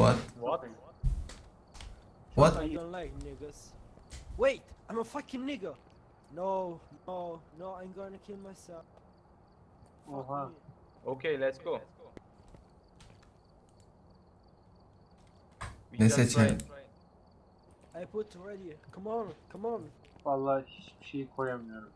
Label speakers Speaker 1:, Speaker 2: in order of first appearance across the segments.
Speaker 1: What?
Speaker 2: What?
Speaker 1: What?
Speaker 3: I don't like niggas. Wait, I'm a fucking nigga. No, no, no, I'm gonna kill myself. Fuck
Speaker 4: Oha.
Speaker 3: me.
Speaker 2: Okay, let's go. We
Speaker 1: Ne
Speaker 2: just
Speaker 1: seçelim?
Speaker 2: try.
Speaker 3: I put ready. Come on, come on.
Speaker 4: Vallahi hiçbir şey koyamıyorum.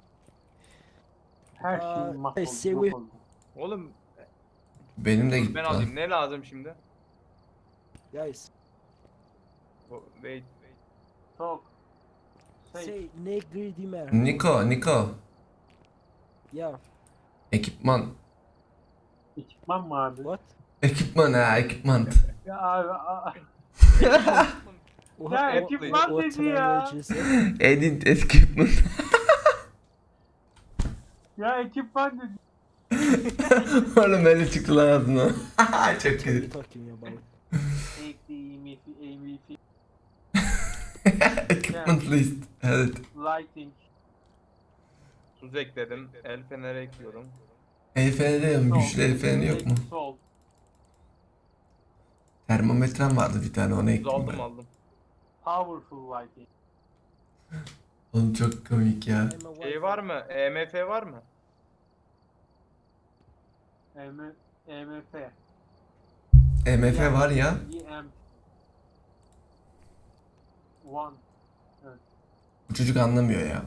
Speaker 4: Her şey
Speaker 3: Say
Speaker 4: mahvoldu,
Speaker 3: we.
Speaker 4: yok oldu.
Speaker 2: Oğlum
Speaker 1: Benim de
Speaker 2: dur
Speaker 1: gitti
Speaker 2: ben
Speaker 1: lan.
Speaker 2: alayım. Ne lazım şimdi?
Speaker 3: Guys,
Speaker 2: Wait.
Speaker 4: Çok.
Speaker 3: say negri dimer.
Speaker 1: Niko.
Speaker 3: Yeah.
Speaker 1: Ekipman.
Speaker 4: Ekipman mı abi?
Speaker 3: What?
Speaker 1: Ekipman ha, ekipman.
Speaker 4: Ya abi
Speaker 3: What,
Speaker 4: Ya,
Speaker 3: what,
Speaker 4: ekipman
Speaker 3: what
Speaker 4: dedi ya.
Speaker 3: language is it?
Speaker 1: Edit ekipman.
Speaker 4: ya ekipman dedi.
Speaker 1: Oğlum öyle çıktı lan ağzına. Çok
Speaker 3: What are you
Speaker 1: kötü.
Speaker 3: talking about?
Speaker 4: AMF,
Speaker 1: Equipment list. Evet.
Speaker 4: lighting,
Speaker 2: Tuz ekledim. El feneri ekliyorum.
Speaker 1: El feneri yok mu? Güçlü el feneri yok mu?
Speaker 4: Sol.
Speaker 1: Termometrem vardı bir tane, onu
Speaker 2: Tuz
Speaker 1: ekledim ben.
Speaker 2: aldım.
Speaker 4: Powerful lighting.
Speaker 1: Oğlum çok komik ya.
Speaker 3: I'm a
Speaker 2: Şey
Speaker 3: white
Speaker 2: var mı? EMF var mı?
Speaker 4: EMF.
Speaker 1: MF var ya.
Speaker 4: EM. One.
Speaker 1: Bu çocuk anlamıyor ya.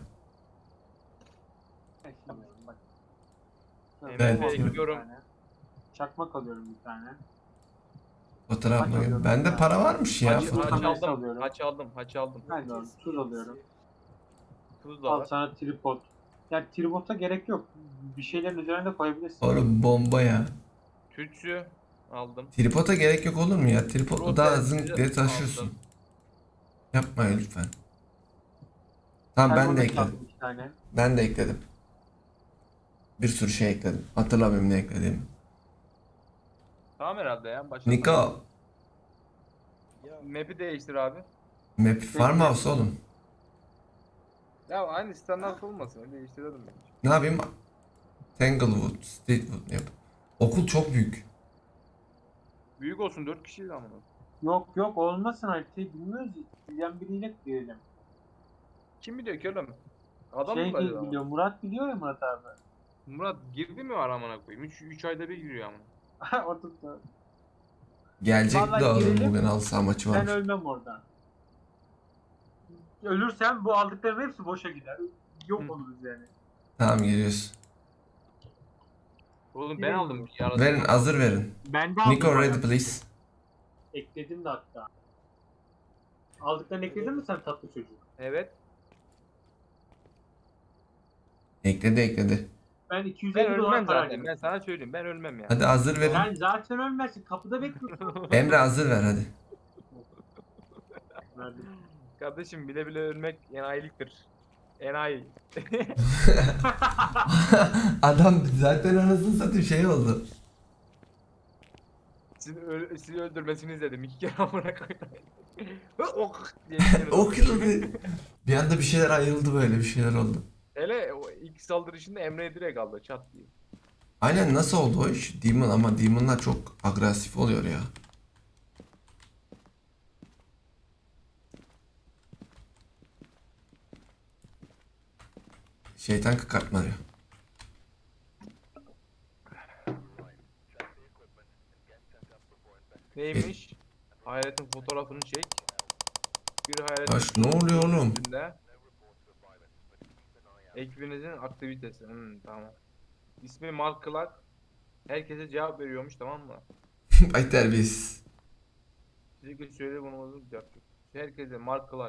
Speaker 4: Bak.
Speaker 2: EMF
Speaker 1: Evet.
Speaker 2: ekliyorum.
Speaker 4: Çakmak alıyorum bir tane.
Speaker 1: Fotoğraf mı?
Speaker 4: Alıyorum
Speaker 1: Bende
Speaker 4: ya.
Speaker 1: para varmış ya.
Speaker 2: Haç
Speaker 1: Fotoğraf.
Speaker 4: alıyorum.
Speaker 2: aldım.
Speaker 4: Ben de alıyorum. Tuz alıyorum.
Speaker 2: Tuz da
Speaker 4: Al
Speaker 2: var.
Speaker 4: sana tripod. Yani tripod'a gerek yok. Bir şeylerin üzerine de koyabilirsin.
Speaker 1: Oğlum bomba ya.
Speaker 2: Tütsü aldım.
Speaker 1: Tripod'a gerek yok olur mu ya? Tripod'la daha zınk diye
Speaker 2: Aldım.
Speaker 1: taşıyorsun. Yapma lütfen. Tamam ben de
Speaker 4: Termometre
Speaker 1: ekledim.
Speaker 4: aldım iki tane.
Speaker 1: Ben de ekledim. Bir sürü şey ekledim. Hatırlamıyorum ne ekledim.
Speaker 2: Tamam herhalde ya. Başla.
Speaker 1: Niko.
Speaker 3: Yeah.
Speaker 2: Map'i değiştir abi.
Speaker 1: Map Farmhouse oğlum.
Speaker 2: Ya aynı standart olmasın. Değiştirelim ben.
Speaker 1: Ne yapayım? Tanglewood, Streetwood yap. Okul çok büyük.
Speaker 2: Büyük olsun 4 kişiyiz ama.
Speaker 4: Yok olmasın haritayı bilmiyoruz. Bizden biriyle diyelim.
Speaker 2: Kim biliyor ki oğlum? Adam
Speaker 4: Şey
Speaker 2: mı acaba?
Speaker 4: biliyor, Murat biliyor ya Murat abi.
Speaker 2: Murat girdi mi var amına koyayım? 3 ayda bir giriyor amına.
Speaker 4: O tuttu.
Speaker 1: Gelecekti
Speaker 4: Vallahi
Speaker 1: oğlum,
Speaker 4: girelim.
Speaker 1: bugün halı saha maçı
Speaker 4: Ben
Speaker 1: varmış.
Speaker 4: ölmem oradan. Ölürsem bu aldıklarım hepsi boşa gider. Yok
Speaker 2: Hı.
Speaker 4: oluruz yani.
Speaker 1: Tamam geliyoruz.
Speaker 2: Oğlum ben
Speaker 4: Girelim.
Speaker 2: aldım bir arada.
Speaker 1: Verin, hazır verin.
Speaker 4: Ben de aldım.
Speaker 1: Niko ready
Speaker 4: bayağı.
Speaker 1: please.
Speaker 4: Ekledim de hatta. Aldıklarını ekledin mi sen tatlı çocuk?
Speaker 2: Evet.
Speaker 1: Ekledi.
Speaker 4: Ben 250
Speaker 2: Ben
Speaker 4: dolar
Speaker 2: ölmem
Speaker 4: para
Speaker 2: zaten.
Speaker 4: harcadım.
Speaker 2: Ben sana söyleyeyim. Ben ölmem ya.
Speaker 1: Hadi hazır verin.
Speaker 4: Sen zaten ölmezsin. Kapıda bekliyorsun.
Speaker 1: Emre hazır ver hadi.
Speaker 4: Verdim.
Speaker 2: Kardeşim bile bile ölmek enayiliktir. Enayi.
Speaker 1: Adam zaten anasını satayım şey oldu.
Speaker 2: Sizi öldürmesini izledim. 2 kere amına koyayım. Ok diye.
Speaker 1: O kırıldı. Bir anda bir şeyler ayrıldı, böyle bir şeyler oldu.
Speaker 2: Hele o ilk saldırışında Emre'ye direkt aldı çat diye.
Speaker 1: Aynen, nasıl oldu o iş? Demon, ama Demon'lar çok agresif oluyor ya. Şeytan kıkartmaıyor.
Speaker 2: Neymiş? Hayaletin fotoğrafını çek. Bir hayaletin
Speaker 1: Baş, ne oluyor oğlum?
Speaker 2: üstünde. Ekibinizin aktivitesi. Tamam. İsmi Mark Clark. Herkese cevap veriyormuş, tamam mı?
Speaker 1: Ay terbiyesiz.
Speaker 2: Sürekli söyle bunu cevap yok. Herkese Mark Clark.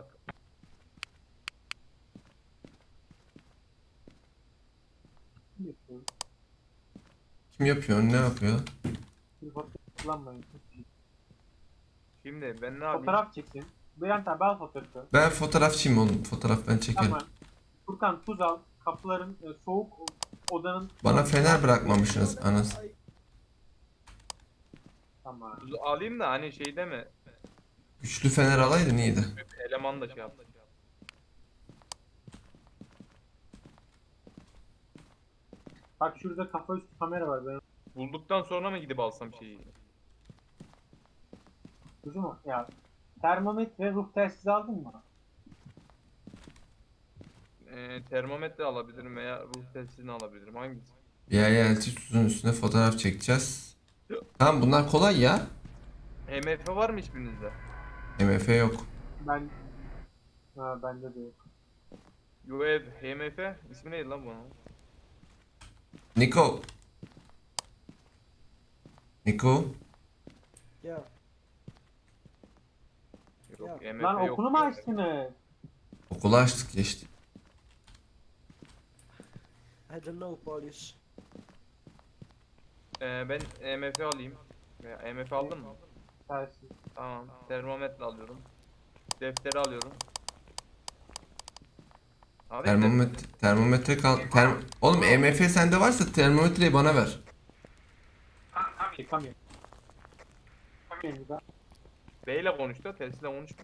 Speaker 1: Kim yapıyor? Ne yapıyor?
Speaker 4: Tripod kullanmayın.
Speaker 2: Şimdi ben ne yapayım?
Speaker 4: Fotoğraf çeksin. Bülent abi al fotoğrafı.
Speaker 1: Ben fotoğrafçıyım oğlum. Fotoğraf ben çekerim.
Speaker 4: Tamam. Furkan tuz al. Kapıların soğuk odanın...
Speaker 1: Bana fener bırakmamışsınız anasını.
Speaker 4: Tamam.
Speaker 2: Tuzu alayım da hani şeyde mi?
Speaker 1: Güçlü fener alaydın iyiydi.
Speaker 2: Eleman da şey yaptı.
Speaker 4: Bak şurada kafa üstü kamera var. Ben...
Speaker 2: Bulduktan sonra mı gidip alsam şeyi?
Speaker 4: Kuzu ya termometre ruh telsizi aldın mı?
Speaker 2: Termometre alabilirim veya ruh testini alabilirim. Hangisi?
Speaker 1: Yerelti tuzun üstüne fotoğraf çekeceğiz. Tamam bunlar kolay ya.
Speaker 2: MF var mı hiçbirinizde?
Speaker 1: MF yok.
Speaker 4: Ben bende de yok.
Speaker 2: UEV, HMF ismi neydi lan bunun?
Speaker 1: Niko. Niko.
Speaker 3: Yeah.
Speaker 2: Yok,
Speaker 3: Ya,
Speaker 2: MF
Speaker 4: Lan
Speaker 2: yok.
Speaker 4: okulu mu açtınız?
Speaker 1: Okulu açtık geçti.
Speaker 3: I don't know Polish.
Speaker 2: Ben MF alayım. Veya MF aldın mı?
Speaker 4: Telsiz.
Speaker 2: Tamam. Termometre alıyorum. Defteri alıyorum. Abi,
Speaker 1: Termometre kal. Oğlum EMF sende varsa termometreyi bana ver.
Speaker 4: Çıkamıyorum.
Speaker 2: B ile konuş da Tersine konuşma.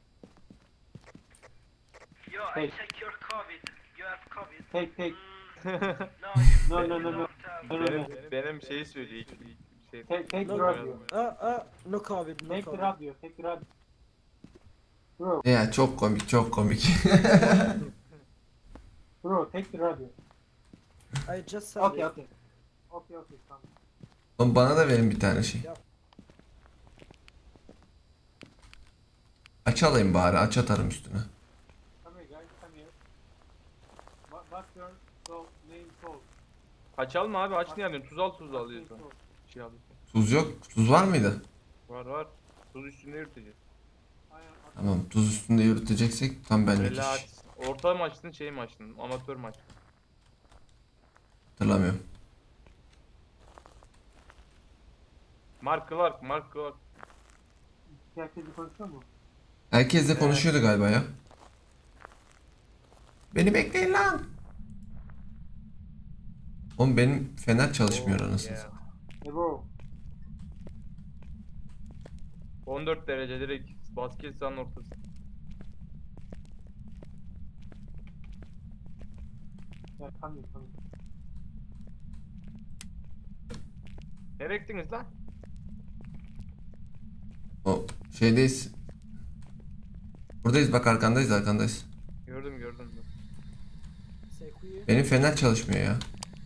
Speaker 5: Yo,
Speaker 4: Hey.
Speaker 5: I check your COVID. You have COVID.
Speaker 4: Tek.
Speaker 5: No, you
Speaker 4: No, no, no, no.
Speaker 5: don't have.
Speaker 4: No, no, no.
Speaker 2: Benim şeyi söylüyor ilk şey.
Speaker 4: Take
Speaker 3: No,
Speaker 4: radio.
Speaker 3: no COVID, no
Speaker 4: Take the
Speaker 3: COVID.
Speaker 4: radio. Take the radio. Bro,
Speaker 1: Ya çok komik çok komik.
Speaker 4: bro, take the radio.
Speaker 3: I just said
Speaker 4: Okay,
Speaker 3: it.
Speaker 4: okay. Okay, tamam.
Speaker 1: Oğlum bana da verin bir tane şey. Aç alayım bari aç atarım üstüne.
Speaker 4: Come here guys, come here. What's your name called?
Speaker 2: Açalım mı abi? Aç niye alıyorsun? Tuz alıyorsun. Şey alıyorsun.
Speaker 1: Tuz yok. Tuz var mıydı?
Speaker 2: Var. Tuz üstünde yürüteceğiz.
Speaker 1: Tamam tuz üstünde yürüteceksek tam benlik iş.
Speaker 2: Relax. Orta mı açtın şey mi açtın? Amatör mü açtın?
Speaker 1: Hatırlamıyorum.
Speaker 2: Mark Clark.
Speaker 4: Herkes konuşuyor mu?
Speaker 1: Herkes de konuşuyordu galiba ya. Beni bekleyin lan. Oğlum benim fener çalışmıyor
Speaker 2: Oh,
Speaker 1: anasını
Speaker 2: yeah.
Speaker 1: satayım.
Speaker 4: Hey bro.
Speaker 2: 14 derece direkt basket sahanın ortası.
Speaker 4: Yeah, come here.
Speaker 2: Nereye gittiniz lan?
Speaker 1: O şeydeyiz. Buradayız bak arkandayız.
Speaker 2: Gördüm.
Speaker 3: C'est qui?
Speaker 1: Benim fener çalışmıyor ya.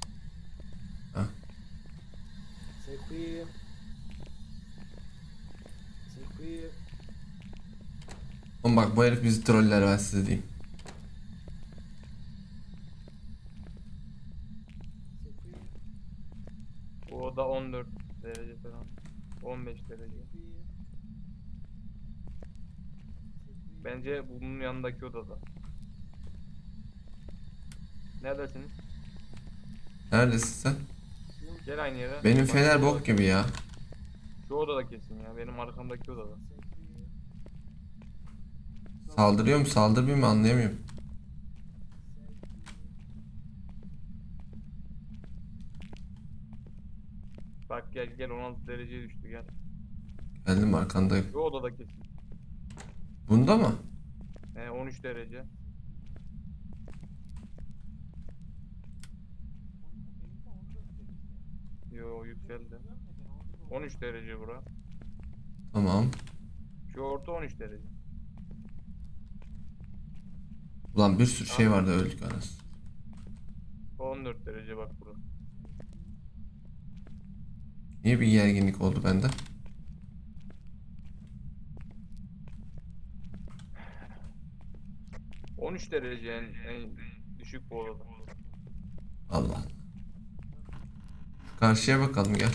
Speaker 3: C'est qui? C'est qui?
Speaker 1: Oğlum bak bu herif bizi troller ben size diyeyim.
Speaker 3: C'est qui?
Speaker 2: Bu oda 14 derece falan. 15 derece.
Speaker 3: C'est qui?
Speaker 2: Bence bunun yanındaki odada. Neredesiniz?
Speaker 1: Neredesin sen?
Speaker 2: Gel aynı yere.
Speaker 1: Benim
Speaker 2: Bak,
Speaker 1: fener
Speaker 2: şu
Speaker 1: bok
Speaker 2: oda-
Speaker 1: gibi ya.
Speaker 2: Şu odada kesin ya. Benim arkamdaki odada.
Speaker 1: Saldırıyor mu saldırmıyor mu anlayamıyorum.
Speaker 2: Bak gel 16 dereceye düştü gel.
Speaker 1: Geldim arkandayım.
Speaker 2: Şu odada kesin.
Speaker 1: Bunda mı?
Speaker 2: 13 derece. Yo yükseldi. 13 derece bura.
Speaker 1: Tamam.
Speaker 2: Şu orta 13 derece.
Speaker 1: Ulan bir sürü şey vardı öldük anasını.
Speaker 2: 14 derece bak bura.
Speaker 1: Niye bir gerginlik oldu bende?
Speaker 2: — 13 derece en düşük bu odada.
Speaker 1: Allah. Karşıya bakalım gel.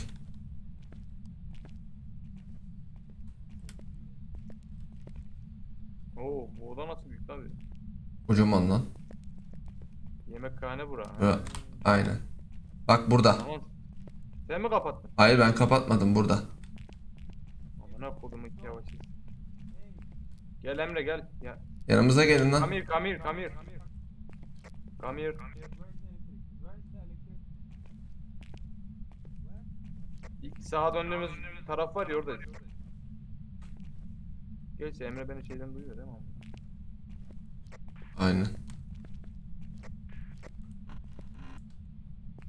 Speaker 2: Oo bu oda nasıl büyük tabi.
Speaker 1: Kocaman lan.
Speaker 2: Yemekhane bura.
Speaker 1: Bura. Aynen. Bak burada.
Speaker 2: Tamam. Sen mi kapattın?
Speaker 1: Hayır ben kapatmadım burada.
Speaker 2: Amına kodum iki yavaş. Gel Emre gel. Ya.
Speaker 1: Yanımıza gelin lan.
Speaker 2: Come here. İlk sağa döndüğümüz taraf var ya orada. Gerçi Emre beni şeyden duyuyor değil mi?
Speaker 1: Aynen.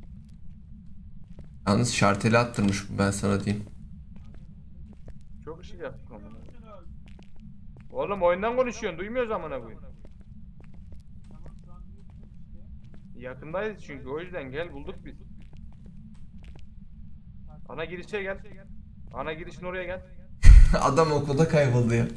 Speaker 1: Yalnız şarteli attırmış bu ben sana diyeyim.
Speaker 2: Çok çıkacak amına. Oğlum oyundan konuşuyorsun. Duymuyoruz amına koyayım.
Speaker 4: Tamam şu an duyuyorsun işte.
Speaker 2: Yakındayız çünkü o yüzden gel bulduk biz. Ana girişe gel. Ana girişin oraya gel.
Speaker 1: Adam okulda kayboldu ya.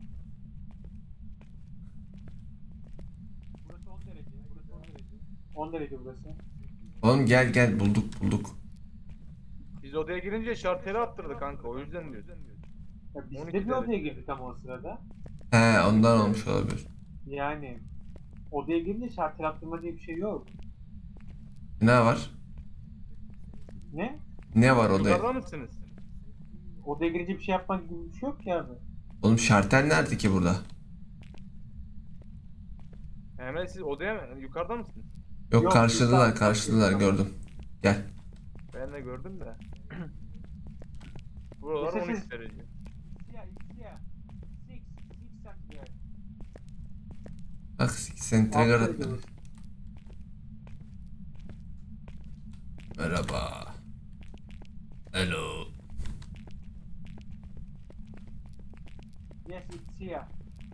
Speaker 4: Burası 10 derece. Burası 10 derece. 10 derece burası.
Speaker 1: Oğlum gel bulduk.
Speaker 2: Biz odaya girince şarteli attırdı kanka o yüzden diyoruz.
Speaker 4: Ya biz
Speaker 2: 12
Speaker 4: de bir odaya
Speaker 2: derece.
Speaker 4: girdik ama o sırada.
Speaker 1: He ondan olmuş olabilir.
Speaker 4: Yani odaya girince şartel attırma diye bir şey yok.
Speaker 1: Ne var?
Speaker 4: Ne?
Speaker 1: Ne var odaya?
Speaker 2: Yukarıda mısınız?
Speaker 4: Odaya girince bir şey yapmak gibi bir şey yok ki abi.
Speaker 1: Oğlum şartel nerede ki burada?
Speaker 2: Hemen siz odaya mı? Yukarıda mısınız?
Speaker 1: Yok,
Speaker 4: Yok,
Speaker 1: karşıladılar
Speaker 4: yukarıda.
Speaker 1: gördüm. Gel.
Speaker 2: Ben de gördüm de. Buralar
Speaker 4: Sessiz.
Speaker 2: 12 derece.
Speaker 4: Siyah, siyah. Six santimetre.
Speaker 1: Bak sen trigger
Speaker 4: Altı
Speaker 1: attın.
Speaker 4: derece burası.
Speaker 1: Merhaba. Hello.
Speaker 4: Yes, it's siyah.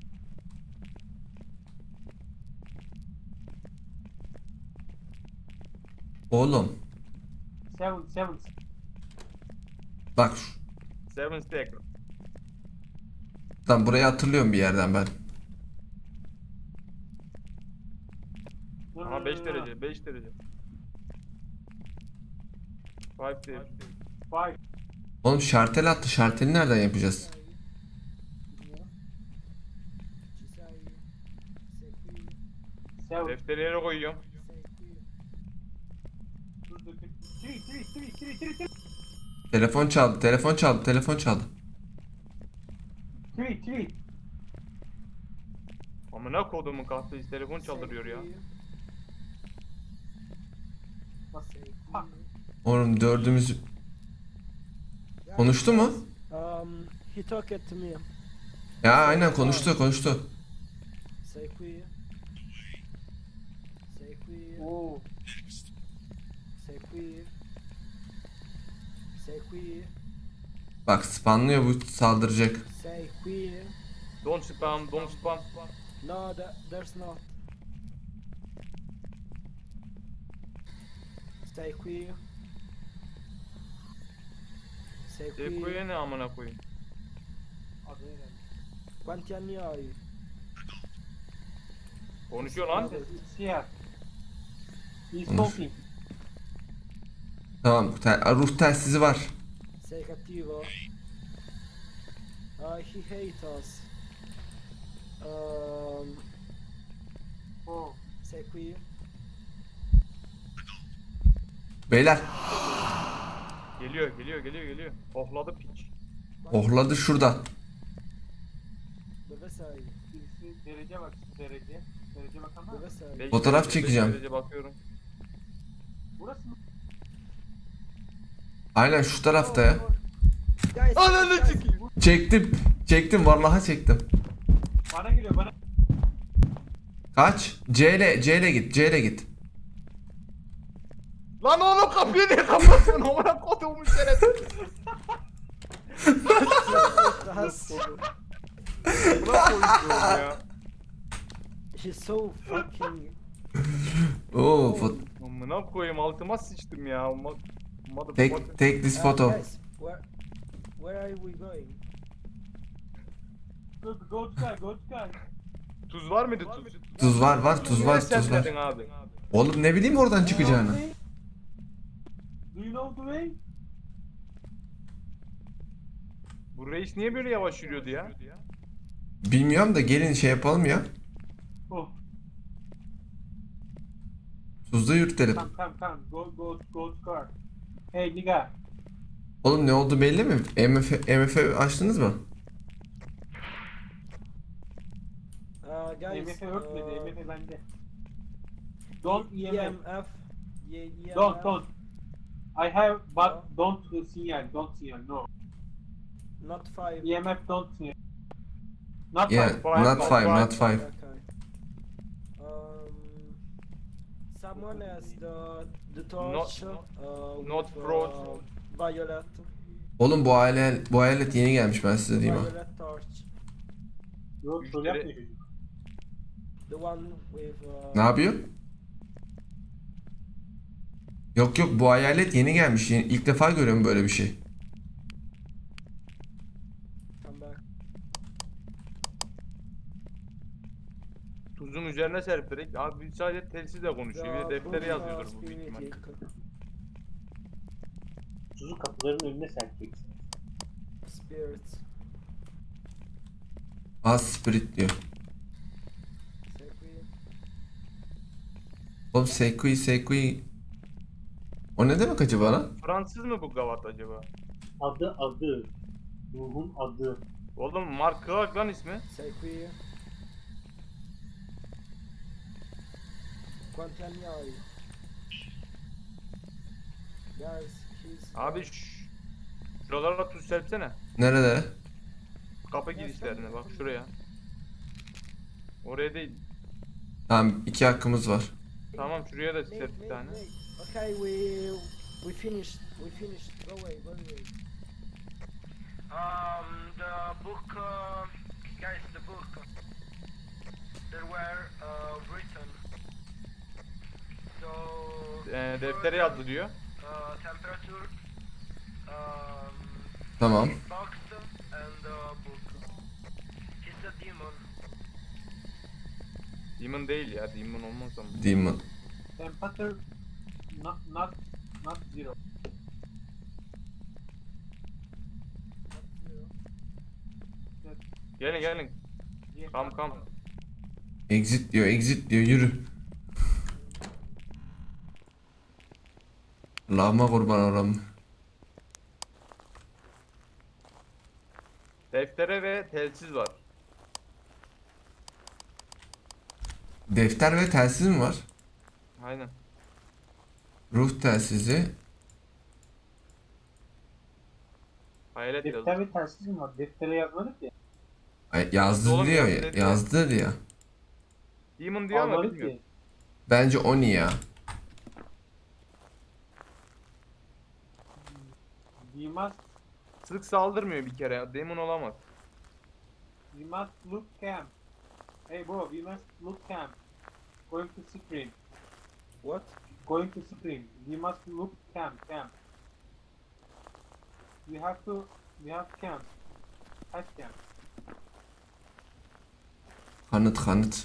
Speaker 1: Oğlum
Speaker 4: Seven.
Speaker 1: bak
Speaker 2: 7 stack.
Speaker 1: lan burayı hatırlıyorum bir yerden ben.
Speaker 4: No, no,
Speaker 2: Ama
Speaker 4: no,
Speaker 2: 5
Speaker 4: no, no.
Speaker 2: derece, 5 derece. 5 derece.
Speaker 4: Five.
Speaker 1: Oğlum şartel attı. Şarteli nereden yapacağız?
Speaker 4: Seven.
Speaker 2: Defteri yere koyuyorum.
Speaker 4: Dur, dur, dur. Three.
Speaker 1: Telefon çaldı.
Speaker 4: Three.
Speaker 2: Amına kodumun kahvesi telefon çaldırıyor ya.
Speaker 4: Bak, fuck.
Speaker 1: Oğlum dördümüz konuştu mu?
Speaker 3: He talked to me.
Speaker 1: Ya aynen konuştu.
Speaker 3: Say queer. Say queer.
Speaker 4: Oo.
Speaker 3: Say queer. Say queer.
Speaker 1: Bak spamlıyor, bu saldıracak.
Speaker 3: Say queer.
Speaker 2: Don't spam.
Speaker 3: No, there's not. Say queer. Say
Speaker 2: Depoya
Speaker 3: queer.
Speaker 2: ne amına koyayım?
Speaker 4: Adı herhalde.
Speaker 3: Quanti anni hai?
Speaker 2: Konuşuyor lan.
Speaker 4: It's siyah. He's
Speaker 1: Konuş.
Speaker 4: talking.
Speaker 1: Tamam, ruh telsizi var.
Speaker 3: Sei cattivo? He hates us.
Speaker 4: Oh.
Speaker 3: Sei qui?
Speaker 1: Beyler,
Speaker 2: Geliyor. Hohladı piç.
Speaker 1: ohladı şurada.
Speaker 3: Dove sei?
Speaker 4: Birisi derece bak, derece. Derece bak ama.
Speaker 3: Dove sei?
Speaker 2: Beş
Speaker 1: Fotoğraf
Speaker 2: derece, beş
Speaker 1: çekeceğim.
Speaker 2: derece bakıyorum.
Speaker 4: Burası mı?
Speaker 1: Aynen şu tarafta ya.
Speaker 3: Guys,
Speaker 2: Ananı
Speaker 3: guys,
Speaker 2: sikeyim.
Speaker 1: Çektim vallahi çektim.
Speaker 4: Bana geliyor bana.
Speaker 1: Kaç? C ile git.
Speaker 2: Lan oğlum kapıyı niye kapatıyorsun? Amına kodumun şerefsiz.
Speaker 3: That's-
Speaker 2: Buna koyuyorum ya.
Speaker 3: He's so fucking.
Speaker 1: Oo,
Speaker 2: Amına koyayım altıma sıçtım ya.
Speaker 1: take this photo.
Speaker 3: Guys, where are we going?
Speaker 4: Go to sky.
Speaker 2: Tuz var mıydı tuz?
Speaker 1: Tuz var, tuz var.
Speaker 2: Sen abi.
Speaker 1: Oğlum ne bileyim oradan çıkacağını.
Speaker 4: Do you know the way?
Speaker 2: Bu reis niye böyle yavaş yürüyordu ya?
Speaker 1: Bilmiyorum da gelin şey yapalım ya.
Speaker 4: Oh.
Speaker 1: Tuzda yürütelim.
Speaker 4: Come. Go to car. Hey nigga.
Speaker 1: Oğlum ne oldu belli mi? MF açtınız mı?
Speaker 3: Guys,
Speaker 4: MF örtmedi. MF bende. Don't EMF.
Speaker 3: EMF. EMF.
Speaker 4: Don't. I have but don't signal. Don't signal. No.
Speaker 3: Not 5.
Speaker 4: EMF don't signal. Not
Speaker 1: Yeah,
Speaker 4: five.
Speaker 1: not five.
Speaker 3: Okay. Someone has the torch.
Speaker 2: Not
Speaker 3: with,
Speaker 2: frozen.
Speaker 3: Violet.
Speaker 1: Oğlum bu hayalet yeni gelmiş, ben size diyeyim ha.
Speaker 3: Violet torch.
Speaker 4: Yok troll
Speaker 2: Müşteri-
Speaker 4: yapmıyor çocuk.
Speaker 3: The one with
Speaker 1: Ne yapıyor? Yok yok, bu hayalet yeni gelmiş. İlk defa görüyorum böyle bir şey.
Speaker 3: come back.
Speaker 2: Tuzun üzerine serperek. Abi biz sadece telsizle konuşuyor. Bir de deftere yazıyordur bu büyük ihtimalle.
Speaker 4: Çocuk kapıların önüne serpeceksin.
Speaker 3: Spirits.
Speaker 1: Az spirit diyor.
Speaker 3: Sacred.
Speaker 1: Oğlum Seikui. O ne demek acaba lan?
Speaker 2: Fransız mı bu gavat acaba?
Speaker 4: Adı. Ruhun adı.
Speaker 2: Oğlum Mark Clark lan ismi.
Speaker 3: Sacred. Quantagnoli. Guys, he's...
Speaker 2: Abi şuralara tuz serpsene.
Speaker 1: Nerede?
Speaker 2: Kapı girişlerine bak şuraya. Oraya değil.
Speaker 1: Tamam, 2 hakkımız var.
Speaker 2: Tamam şuraya da
Speaker 3: Mate,
Speaker 2: serp bir
Speaker 3: mate,
Speaker 2: tane.
Speaker 3: mate. Okay, we finished. We finished. Go away, go away.
Speaker 5: The book, guys, the book that were written. So
Speaker 2: Deftere yazdı diyor.
Speaker 5: temperature,
Speaker 1: Tamam.
Speaker 5: box and book. He's a demon.
Speaker 2: Demon değil ya, demon olmaz ama.
Speaker 1: Demon.
Speaker 4: Temperature not zero.
Speaker 2: Gelin. Kam.
Speaker 1: Exit diyor, yürü. Allah'ıma kurban olam.
Speaker 2: Deftere ve telsiz var.
Speaker 1: Defter ve telsiz mi var?
Speaker 2: Aynen.
Speaker 1: Ruh telsizi.
Speaker 2: Hayalet yazdı.
Speaker 4: Defter ve telsiz mi var? Deftere yazmadık ya.
Speaker 1: Ay, yazdı
Speaker 2: Oğlum
Speaker 1: diyor
Speaker 2: yazdı
Speaker 1: ya.
Speaker 2: dedi.
Speaker 1: Yazdı diyor.
Speaker 2: Demon diyor ama
Speaker 4: Almadık
Speaker 2: bilmiyorum.
Speaker 4: ki.
Speaker 1: Bence Oni ya.
Speaker 4: We must,
Speaker 2: Sık saldırmıyor bir kere. Demon olamaz.
Speaker 4: we must look camp. Hey bro, we must look camp. Going to scream.
Speaker 3: What?
Speaker 4: Going to scream. We must look camp. We have camp. Kaç camp?
Speaker 1: Kanıt.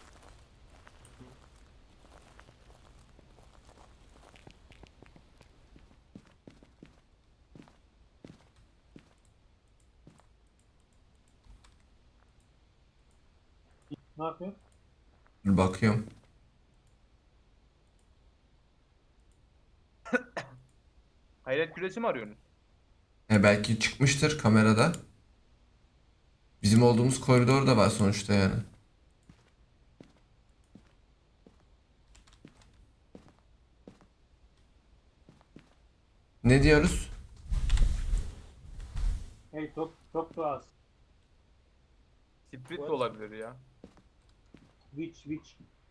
Speaker 4: Ne yapıyor?
Speaker 1: Dur bakıyorum.
Speaker 2: Hayalet küresi mi arıyorsunuz?
Speaker 1: Belki çıkmıştır kamerada. Bizim olduğumuz koridor da var sonuçta yani. Ne diyoruz?
Speaker 4: Hey talk to us.
Speaker 2: Sprit de
Speaker 3: What?
Speaker 2: olabilir ya.
Speaker 4: Which?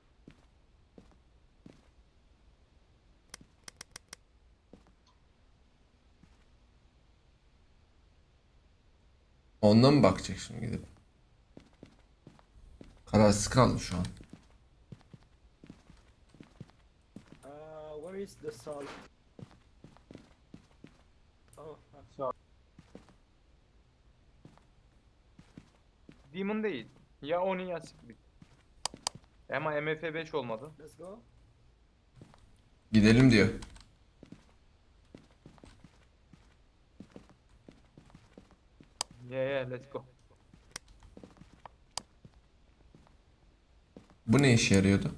Speaker 1: Ondan mı bakacak şimdi gidip? Kararsız kaldım şu an.
Speaker 3: Where is the salt? Oh,
Speaker 4: So,
Speaker 2: Demon değil. Ya Oni ya Sprit. Ama MF5 olmadı.
Speaker 3: let's go.
Speaker 1: Gidelim diyor.
Speaker 2: Yeah, let's go.
Speaker 1: Bu ne işe yarıyordu?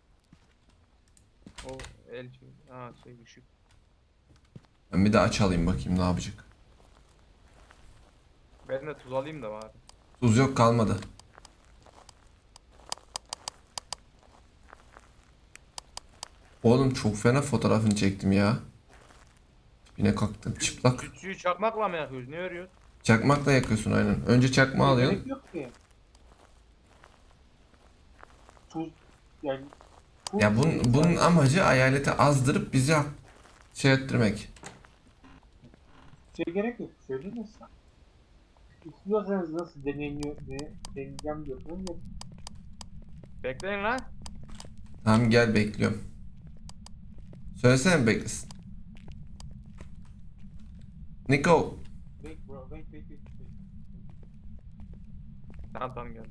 Speaker 2: O el şey ışık.
Speaker 1: Ben bir de aç alayım bakayım ne yapacak.
Speaker 2: Ben de tuz alayım da bari.
Speaker 1: Tuz yok, kalmadı. Oğlum çok fena fotoğrafını çektim ya. Yine kalktım çıplak.
Speaker 2: Sütçüyü çakmakla mı yakıyoruz? Ne örüyoruz?
Speaker 1: Çakmakla yakıyorsun aynen. Önce çakma alıyorsun.
Speaker 4: gerek yok ki. Tuz yani tuz-
Speaker 1: Ya bunun amacı hayaleti azdırıp bizi şey ettirmek.
Speaker 4: Şey gerek yok. Söyledin sen. İstiyorsanız nasıl deneyeceğim diyorsanız yapın.
Speaker 2: Bekleyin lan.
Speaker 1: Tamam gel bekliyorum. Söylesene beklesin. Nico.
Speaker 4: Wait bro, wait.
Speaker 2: Tamam geldim.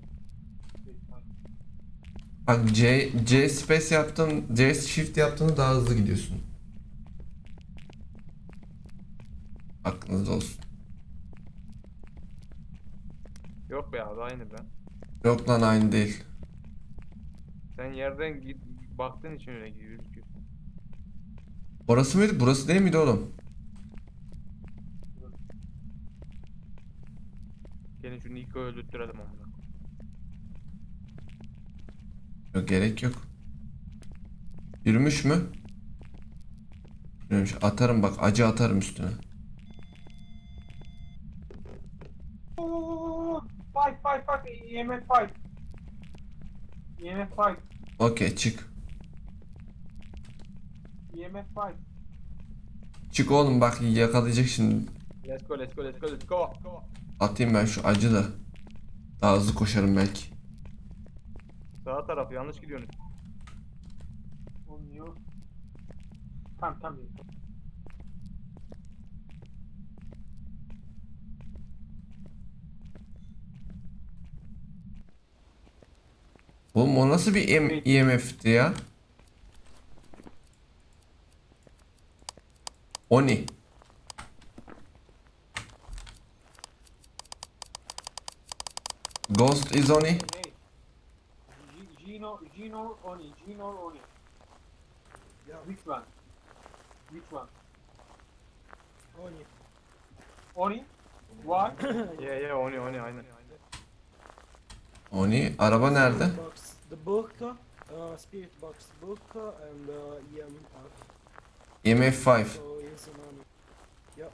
Speaker 1: Bak C space yaptın, C shift yaptığında daha hızlı gidiyorsun. Aklınızda olsun.
Speaker 2: Yok be abi aynı be.
Speaker 1: Yok lan aynı değil.
Speaker 2: Sen yerden baktığın için öyle gözüküyor.
Speaker 1: Orası mıydı? Burası değil miydi oğlum?
Speaker 2: Gelin şu Nico'yu öldürtürelim amına.
Speaker 1: Yok gerek yok. Yürümüş mü? Yürümüş. Atarım bak acı atarım üstüne.
Speaker 4: Fight, EMF fight. EMF fight.
Speaker 1: Okey çık.
Speaker 4: EMF fight.
Speaker 1: Çık oğlum bak yakalayacak şimdi.
Speaker 2: Let's go.
Speaker 1: Atayım ben şu acı da. Daha hızlı koşarım belki.
Speaker 2: Sağ taraf yanlış gidiyorsun.
Speaker 4: Olmuyor. Tamam.
Speaker 1: Oğlum o nasıl bir EMF'ti ya? Oni. Ghost is Oni.
Speaker 4: Hey. Gino Oni.
Speaker 3: Yeah.
Speaker 4: Which one?
Speaker 3: On you.
Speaker 4: Oni? Why?
Speaker 2: Yeah oni aynen.
Speaker 1: Oni. Araba nerede?
Speaker 3: Box, the Burka, Spirit Box Burka, and EMF.
Speaker 1: EMF 5.
Speaker 3: So yes, and on. Yep.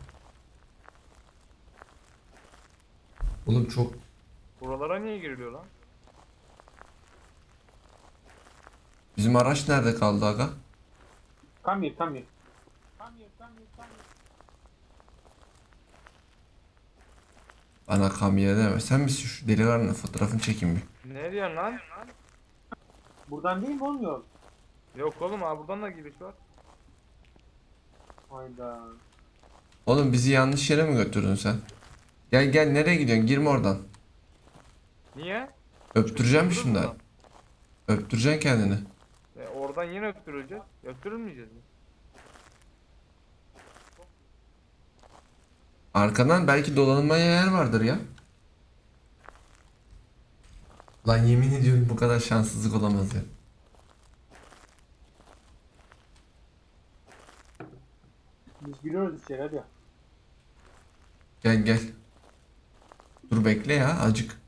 Speaker 1: Oğlum çok...
Speaker 2: Buralara niye giriliyor lan?
Speaker 1: Bizim araç nerede kaldı aga?
Speaker 4: Come here.
Speaker 1: Bana kamya deme. Sen misin şu delikanlının fotoğrafını çekeyim bir.
Speaker 2: Ne diyorsun lan?
Speaker 4: Buradan değil mi olmuyor?
Speaker 2: Yok oğlum abi buradan da giriş var.
Speaker 4: Hayda.
Speaker 1: Oğlum bizi yanlış yere mi götürdün sen? Gel nereye gidiyorsun? Girme oradan.
Speaker 2: Niye?
Speaker 1: Öptüreceğim şimdi.
Speaker 2: Buradan.
Speaker 1: Öptüreceksin kendini.
Speaker 2: Oradan yine öptürüleceğiz. Öptürülmeyeceğiz mi?
Speaker 1: Arkadan belki dolanmaya yer vardır ya. Lan yemin ediyorum bu kadar şanssızlık olamaz ya.
Speaker 4: Biz giriyoruz içeri hadi.
Speaker 1: Gel. Dur bekle ya acık.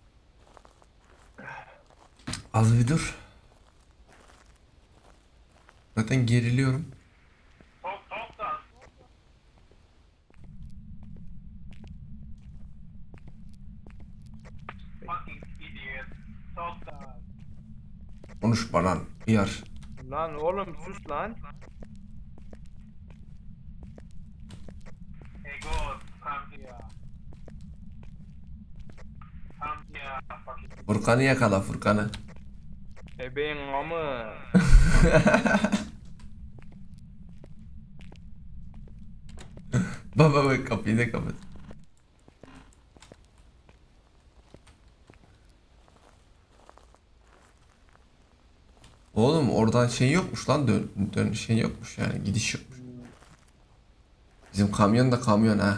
Speaker 1: Az bir dur. Zaten geriliyorum. Konuş bana yar.
Speaker 2: Lan oğlum sus lan.
Speaker 4: Hey God, come here. Come here, fucking.
Speaker 1: Furkan'ı yakala Furkan'ı.
Speaker 2: Ebeğin amı.
Speaker 1: Baba kapıyı da kapat. Oğlum oradan şey yokmuş lan dön şey yokmuş yani gidiş yokmuş. Bizim kamyon da kamyon ha.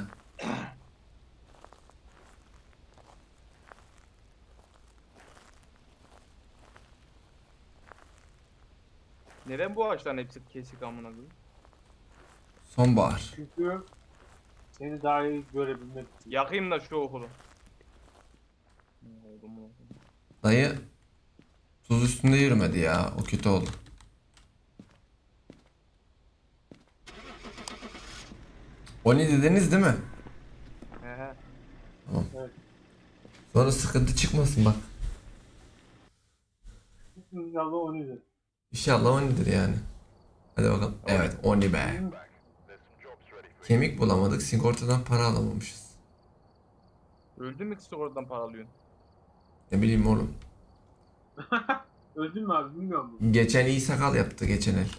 Speaker 2: Neden bu ağaçların hepsi kesik amına koyayım?
Speaker 1: Sonbahar.
Speaker 4: Çünkü seni daha iyi görebilmek için.
Speaker 2: Yakayım da şu okulu.
Speaker 1: Dayı tuz üstünde yürümedi ya o kötü oldu. Oni dediniz değil mi?
Speaker 2: He.
Speaker 1: Sonra sıkıntı çıkmasın bak.
Speaker 4: İnşallah onu izle.
Speaker 1: İnşallah Oni'dir yani. Hadi bakalım. Evet Oni be. Kemik bulamadık. Sigortadan para alamamışız.
Speaker 2: Öldün mü kısa oradan para alıyorsun?
Speaker 1: Ne bileyim oğlum.
Speaker 4: Öldün mü abi bilmiyorum bunu.
Speaker 1: Geçen iyi sakal yaptı geçen el.